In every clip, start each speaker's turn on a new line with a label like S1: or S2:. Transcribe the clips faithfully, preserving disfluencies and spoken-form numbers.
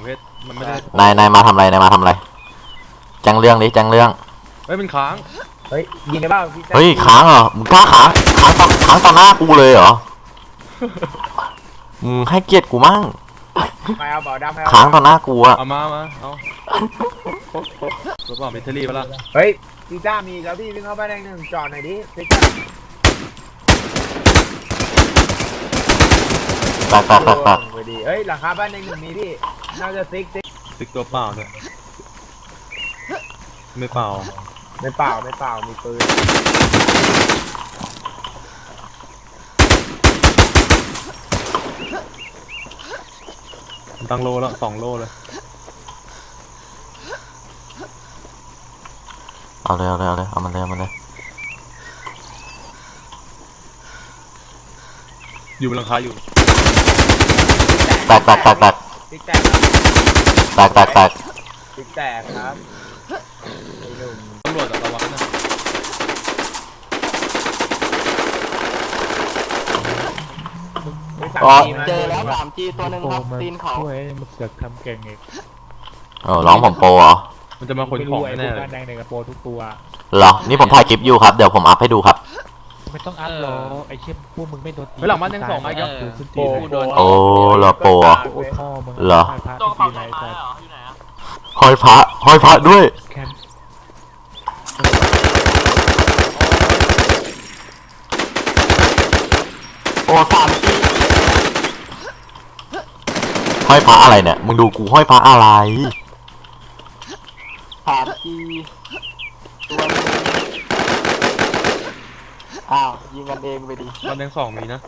S1: เพชรมันไม่ได้
S2: นายนายมาทำอะไรนายมาทำอะไรแจ้งเรื่องดิแจ้งเรื่อง
S1: เฮ้ยมันค้าง
S3: เฮ้ยยิงได้บ้างพี่
S2: เฮ้ยค้างเหรอมึงกล้าค้างค้างตอนค้างตอนหน้ากูเลยเหรอมึงให้เกียรติกูมั่ง
S3: ไม่เอาเบาดำ
S2: ค้างตอนหน้ากูอะ
S1: เอามามาเอารถเปล่าแบตเตอรี่ปะล่ะ
S3: เฮ้ยพี่จ้ามีแล้วพี่วิ่งเข้าไปแดงหนึ่งจอดหน่อยดิพี่จ้า
S2: แตกแตกแตกแตก
S3: พอดีเฮ้ยหลังคาบ้านแดงหนึ่งมีพี่น่าจะซิกซิก
S1: ซิกตัวเปล่าด้วยไม่เปล่า
S3: ไม่เปล่าไม่เปล่ามีปืน
S1: ตั้งโลแล้วสองโลเลย
S2: เอาเลยเอาเลยเอาเลยเอามันเลยเอามันเลย
S1: อยู่บนหลังคาอยู่
S2: แตกแตกแตกแตก
S3: ซิกแตกครับ
S2: แตกแตกแตก
S3: ซิกแตกครับไอ้หนุ่ม
S1: ตำรวจระวังนะ
S2: อ๋อ
S4: เจอแล้วสามจีตัวหนึ่งครับตีนเขาช่วยมันเสือกทำเก่งเอง
S2: เออร้องผมโปรเหรอ
S1: มันจะมาขนของแน่
S4: เลยแดงในกระโปรงทุกตัว
S2: เหรอนี่ผมถ่ายคลิปอยู่ครับเดี๋ยวผมอัพให้ดูครับ
S4: ไม่ต้องอัพหรอกไอ้เชี่ยพวกมึงไม่โดนตี
S1: หลังบ้านยังสองมาครับ
S4: โปโดน
S2: โอ้เหรอโปรเหรอห้อยพระห้อยพระด้วยโอ้สามจีห้อยพระอะไรเนี่ยมึงดูกูห้อยพระอะไร
S4: สามจีตัวอ้าวยิงกันเองไปดิ
S1: บ้านยังสองมีนะ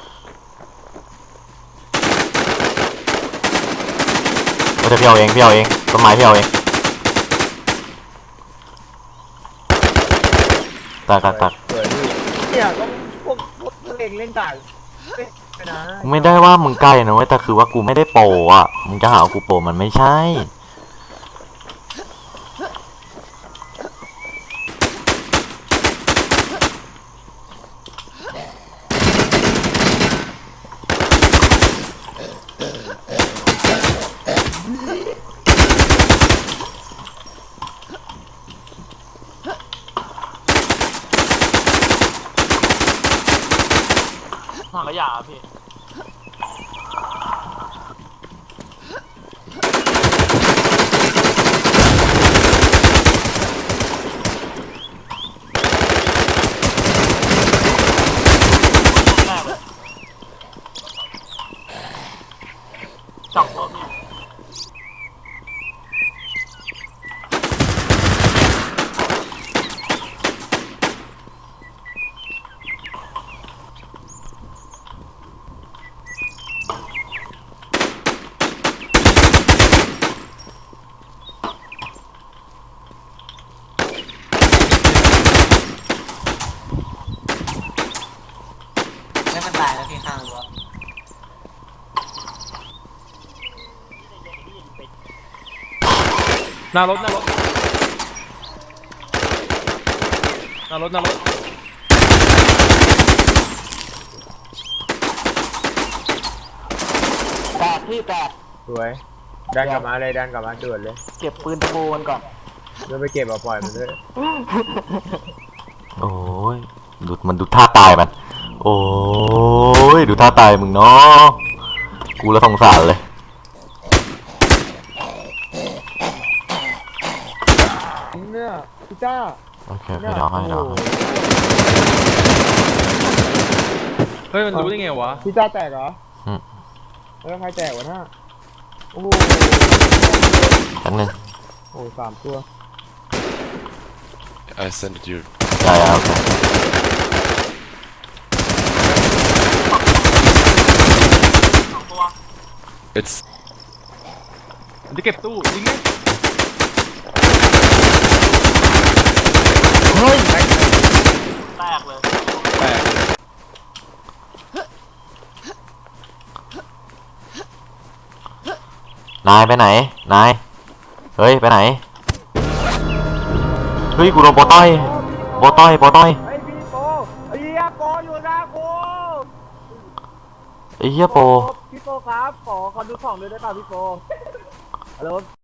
S2: ก็จะพี่เอาเองพี่เอาเองต้นไม้พี่เอาเองตักตักตัก
S3: เนี่ยก็พวกพวกเล่นเล่นต่าง
S2: ไม่ได้ว่ามึงใกล้นะเว้ยแต่คือว่ากูไม่ได้โปรอ่ะมึงจะหากูโปรมันไม่ใช่
S4: ถังขยะพี่สองตัวพี่ตายแล้วพี่ข้างรั้ว
S1: หน้ารถหน้ารถหน้ารถหน้ารถ
S4: แตกพี่แตก
S3: สวยดันกลับมาเลยดันกลับมาด่วนเลย
S4: เก็บปืนตะโบมันก่อน
S3: เดี๋ยวไปเก็บเอาปล่อยมันด้วย
S2: โอ้ยดูมันดูท่าตายมันโอ้ยดูท่าตายมึงเนาะกูละสงสารเลย
S3: เนี่ยพี่จ้า
S2: โอเคให้เดี๋ยวให้เดี๋ยว
S1: เฮ้ยมันรู้ได้ไงวะ
S3: พี่จ้าแตกเหรออืมแล้วใครแตกวะน่ะโอ้โห
S2: ชั้นหนึ่ง
S3: โอ้สามตัว
S5: I send it you
S2: ใช่โอเค
S5: It's
S1: จะเก็บตู้ยิงไง
S2: เฮ้ย
S4: แตกเลย
S1: แตก
S2: นายไปไหนนายเฮ้ยไปไหนเฮ้ยกูโดนโปต้อยโปต้อยโปต้อย
S3: ไอ้พี่โปไอ้เหี้ยโปอยู่หน้ากู
S2: ไอ้เหี้ยโป
S3: พี่โปครับขอขอดูของด้วยได้ป่ะพี่โป
S4: ฮัลโหล